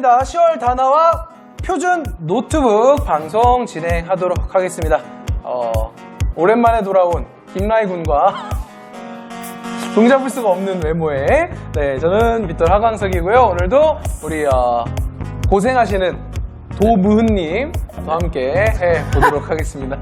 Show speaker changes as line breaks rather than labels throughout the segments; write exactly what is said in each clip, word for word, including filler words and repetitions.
반갑습니다. 시월 다나와 표준 노트북 방송 진행하도록 하겠습니다. 어, 오랜만에 돌아온 김라이 군과 종잡을 수가 없는 외모에 네, 저는 빗돌 하광석이고요. 오늘도 우리 어, 고생하시는 도무흔님과 함께 해보도록 하겠습니다.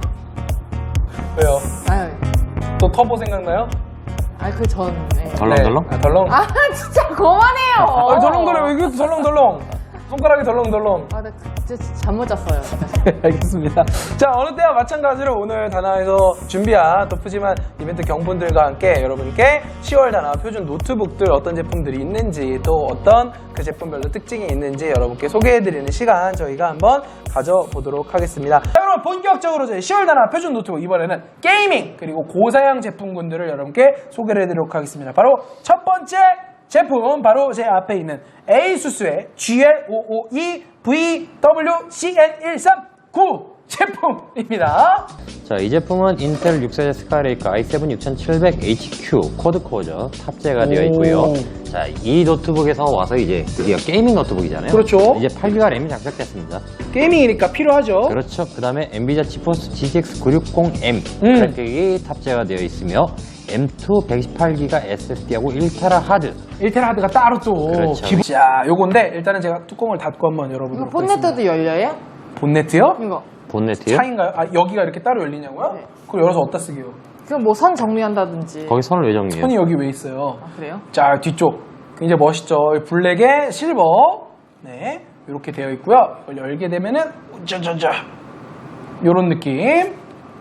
왜요?
아유,
또 터보 생각나요?
아, 그 전. 네.
덜렁덜렁?
네, 아, 덜렁.
아, 진짜 그만해요.
아, 덜렁덜렁. 왜 이렇게 덜렁덜렁? 손가락이 덜렁덜렁.
아, 나 진짜 잠못 잤어요.
알겠습니다. 자, 어느 때와 마찬가지로 오늘 다나에서 준비한 또 푸짐한 이벤트 경품들과 함께 여러분께 시월 다나 표준 노트북들 어떤 제품들이 있는지 또 어떤 그 제품별로 특징이 있는지 여러분께 소개해드리는 시간 저희가 한번 가져보도록 하겠습니다. 자, 여러분 본격적으로 저희 시월 다나 표준 노트북 이번에는 게이밍 그리고 고사양 제품군들을 여러분께 소개를 해드리도록 하겠습니다. 바로 첫 번째 제품 바로 제 앞에 있는 에이수스의 지엘 오오이 브이 더블유 씨 엔 일삼구 제품입니다.
자, 이 제품은 인텔 육 세대 스카이레이크 아이 세븐 육천칠백 에이치 큐 쿼드코어죠. 탑재가 되어 있고요. 자, 이 노트북에서 와서 이제 드디어 게이밍 노트북이잖아요.
그렇죠.
이제 팔 기가 램이 장착됐습니다.
게이밍이니까 필요하죠.
그렇죠. 그 다음에 엔비디아 지포스 지티엑스 구백육십 엠
음.
그래픽이 탑재가 되어 있으며 엠 투 백이십팔 기가 에스에스디하고 일 테라 하드.
일 테라 하드가 따로 또
그렇죠.
기본... 자, 요건데 일단은 제가 뚜껑을 닫고 한번
이거
열어보도록 하겠습니다.
본네트도 열려요?
본네트요?
이거.
본네트요?
차인가요? 아, 여기가 이렇게 따로 열리냐고요?
네.
그걸 열어서 어디다 쓰게요?
그럼 뭐 선 정리한다든지.
거기 선을 왜 정리해요?
손이 여기 왜 있어요?
아, 그래요?
자, 뒤쪽 굉장히 멋있죠. 블랙에 실버, 네, 이렇게 되어 있고요. 이걸 열게 되면은 짜자자 요런 느낌.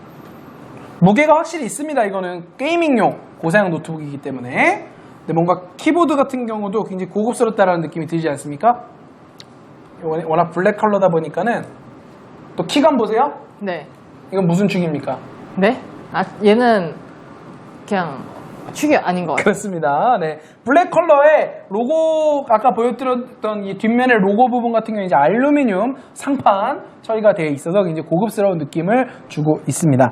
무게가 확실히 있습니다. 이거는 게이밍용 고사양 노트북이기 때문에. 근데 뭔가 키보드 같은 경우도 굉장히 고급스럽다라는 느낌이 들지 않습니까? 이거 워낙 블랙 컬러다 보니까는 또 키감 보세요.
네.
이건 무슨 축입니까?
네? 아, 얘는 그냥 축이 아닌 것 같아요.
그렇습니다. 네. 블랙 컬러의 로고, 아까 보여드렸던 이 뒷면의 로고 부분 같은 경우는 이제 알루미늄 상판 처리가 되어 있어서 굉장히 고급스러운 느낌을 주고 있습니다.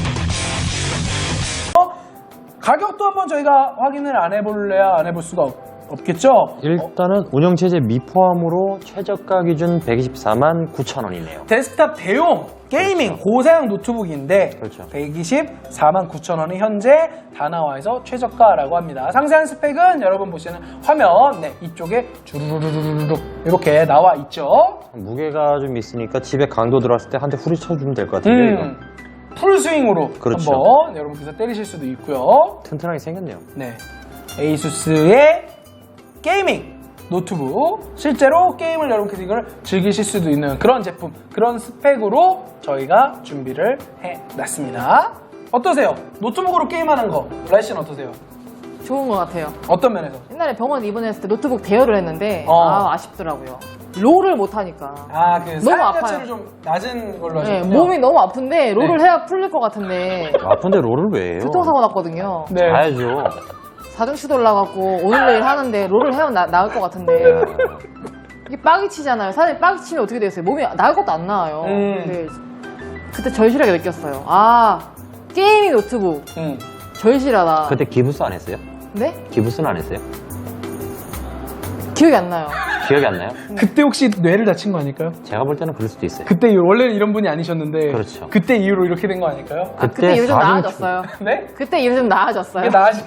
어? 가격도 한번 저희가 확인을 안 해볼래야 안 해볼 수가 없, 없겠죠?
일단은 운영체제 미포함으로 최저가 기준 백이십사만 구천 원이네요.
데스크탑 대용 게이밍
그렇죠.
고사양 노트북인데
그렇죠.
백이십사만 구천 원이 현재 다나와에서 최저가라고 합니다. 상세한 스펙은 여러분 보시는 화면 네, 이쪽에 주르르르르륵 이렇게 나와 있죠.
무게가 좀 있으니까 집에 강도 들어왔을 때 한 대 후리쳐주면 될 것 같은데요.
음, 풀스윙으로
그렇죠.
한번 여러분께서 때리실 수도 있고요.
튼튼하게 생겼네요.
네, 에이수스의 게이밍 노트북, 실제로 게임을 여러분께서 이걸 즐기실 수도 있는 그런 제품, 그런 스펙으로 저희가 준비를 해놨습니다. 어떠세요? 노트북으로 게임하는 거 라이 씨는 어떠세요?
좋은 것 같아요.
어떤 면에서?
옛날에 병원 입원했을 때 노트북 대여를 했는데
어.
아, 아쉽더라고요. 롤을 못하니까.
아, 그
너무
사양
아파요.
자체를 좀 낮은 걸로
네,
하셨군요.
몸이 너무 아픈데 롤을
네.
해야 풀릴 것 같은데
아픈데 롤을 왜 해요?
교통사고 났거든요.
네.
자야죠.
사중치도 올라갖고 오늘 내일 하는데 롤을 해야 나, 나을 것 같은데 이게 빡이 치잖아요. 사람이 빡이 치면 어떻게 되겠어요? 몸이 나을 것도 안 나와요.
음.
근데 그때 절실하게 느꼈어요. 아, 게이밍 노트북
음.
절실하다.
그때 기부스 안 했어요?
네?
기부스는 안 했어요?
기억이 안 나요.
기억이 안 나요?
그때 혹시 뇌를 다친 거 아닐까요?
제가 볼 때는 그럴 수도 있어요.
그때 이후, 원래는 이런 분이 아니셨는데
그렇죠.
그때 이후로 이렇게 된 거 아닐까요?
아, 그때 이후 좀
사중치.
나아졌어요.
네?
그때 이후 좀 나아졌어요.
이게 나아지...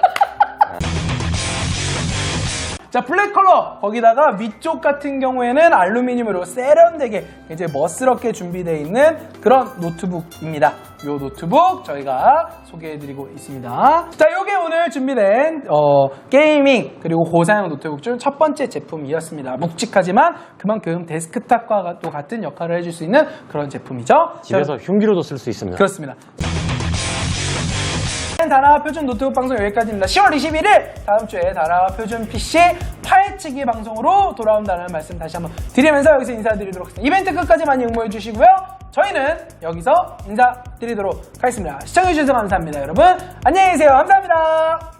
자, 블랙 컬러 거기다가 위쪽 같은 경우에는 알루미늄으로 세련되게 이제 멋스럽게 준비되어 있는 그런 노트북입니다. 이 노트북 저희가 소개해드리고 있습니다. 자, 이게 오늘 준비된 어, 게이밍 그리고 고사양 노트북 중 첫 번째 제품이었습니다. 묵직하지만 그만큼 데스크탑과 또 같은 역할을 해줄 수 있는 그런 제품이죠.
집에서 흉기로도 쓸 수 있습니다.
그렇습니다. 다나 표준 노트북 방송 여기까지입니다. 시월 이십일일 다음 주에 다나 표준 피씨 파헤치기 방송으로 돌아온다는 말씀 다시 한번 드리면서 여기서 인사드리도록 하겠습니다. 이벤트 끝까지 많이 응모해 주시고요. 저희는 여기서 인사드리도록 하겠습니다. 시청해주셔서 감사합니다. 여러분 안녕히 계세요. 감사합니다.